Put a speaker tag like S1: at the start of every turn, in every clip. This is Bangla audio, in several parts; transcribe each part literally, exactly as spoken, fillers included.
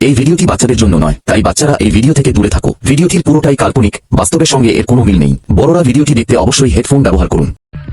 S1: এই ভিডিওটি বাচ্চাদের জন্য নয়, তাই বাচ্চারা এই ভিডিও থেকে দূরে থাকো। ভিডিওটির পুরোটাই কাল্পনিক, বাস্তবের সঙ্গে এর কোনো মিল নেই। বড়রা ভিডিওটি দেখতে অবশ্যই হেডফোন ব্যবহার করুন।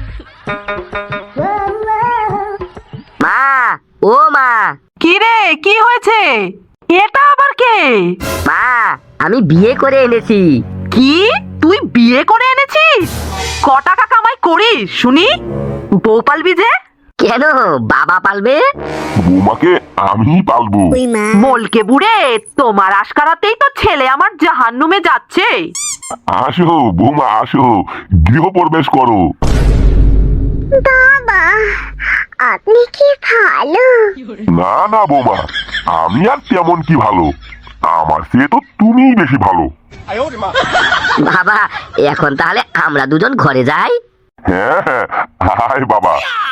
S2: মা, ও মা।
S3: কি রে, কি হয়েছে? এটা আবার কে?
S2: মা, আমি বিয়ে করে এনেছি।
S3: কি, তুই বিয়ে করে এনেছিস? ক টাকা কামাই করিস শুনি? বউ পালবি যে?
S2: কেন, বাবা পালবে?
S4: বৌমাকে আমি পালবো।
S3: বলকে বুড়ে, তোমার আশকারাতেই তো ছেলে আমার জাহান্নুমে যাচ্ছে।
S4: আসো বৌমা, আসো, গৃহপ্রবেশ করো।
S5: বাবা, আপনি কি ভালো?
S4: না না বৌমা, আমি আর তেমন কি ভালো, আমার চেয়ে তো তুমিই বেশি ভালো।
S2: বাবা, এখন তাহলে আমরা দুজন ঘরে যাই।
S4: হ্যাঁ হ্যাঁ, হায় বাবা।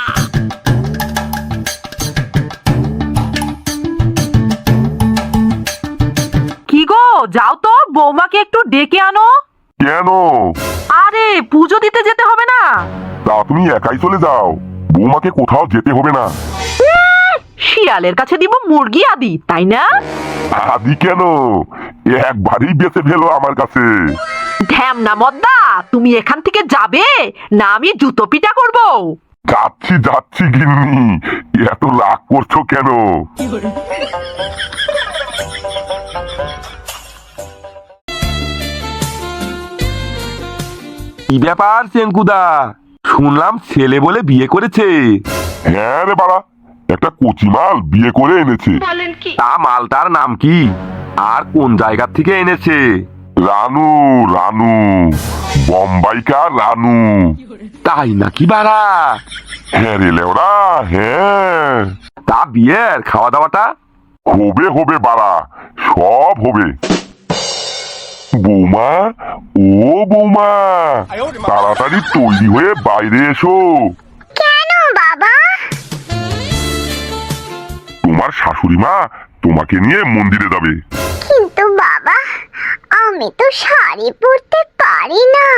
S3: কি গো, যাও তো, বৌমাকে একটু ডেকে আনো।
S4: কেন?
S3: আরে পুজো দিতে যেতে হবে না?
S4: তা তুমি একাই চলে যাও, বৌমাকে কোথাও যেতে হবে না।
S3: শিয়ালের কাছে দিব মুরগি আদি, তাই না?
S4: আদি কেন, একবারই বেঁচে ফেলো আমার কাছে।
S3: ঢ্যামনা মদ্দা, তুমি এখান থেকে যাবে না আমি জুতো পিটা করব?
S4: যাচ্ছি যাচ্ছি গিন্নি, এত রাগ করছো কেন?
S6: কি ব্যাপার চেঙ্কুদা, শুনলাম ছেলে বলে বিয়ে করেছে?
S4: হ্যাঁ রে বাড়া, একটা কচিমাল বিয়ে করে এনেছে।
S6: তা মালটার নাম কি আর কোন জায়গা থেকে এনেছে?
S4: রানু, রানু, বোম্বাইকার রানু।
S6: তাই নাকি বাড়া?
S4: হ্যাঁ রে লেওড়া, হ্যাঁ।
S6: তা বিয়ের খাওয়া দাওয়াটা?
S4: হবে হবে বাড়া, সব হবে। বৌমা, ও বৌমা, তাড়াতাড়ি তৈরি হয়ে বাইরে এসো।
S5: কেন বাবা?
S4: তোমার শাশুড়ি মা তোমাকে নিয়ে মন্দিরে যাবে।
S5: কিন্তু বাবা, আমি তো শাড়ি পরতে পারি না।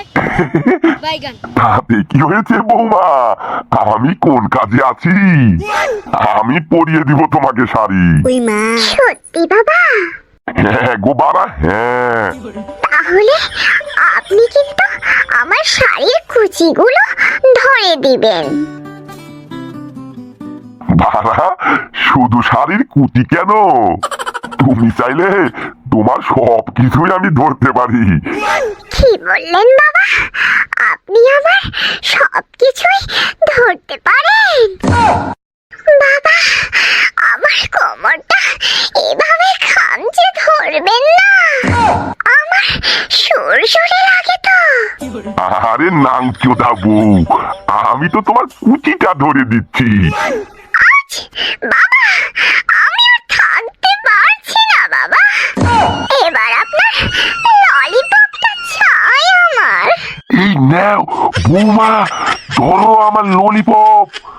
S4: তাতে কি হয়েছে বৌমা, আমি কোন কাজে আছি? আমি পরিয়ে দিব তোমাকে শাড়ি।
S5: সত্যি বাবা?
S4: হ্যাঁ গো বাবা, হ্যাঁ।
S5: তাহলে আপনি কিন্তু আমার শাড়ির কুচিগুলো ধরে দিবেন।
S4: বাবা, শুধু শাড়ির কুচি কেন, তুমি চাইলে তোমার সব কিছুই আমি ধরতে পারি।
S5: কি বললেন বাবা? আপনি আমার সবকিছুই ধরতে পারেন? বাবা, আমার কোমরটা এভাবে খামচে ধরবেন না, আমার সুরসুরে লাগে তো।
S4: আরে নাংচোদা বউ, আমি তো তোমার কুচিটা ধরে দিচ্ছি।
S5: আজ বাবা, আমি আর থাকতে পারছি না বাবা, এবার আপনার ললিপপটা চাই আমার।
S4: এই নাও বৌমা, ধরো আমার ললিপপ।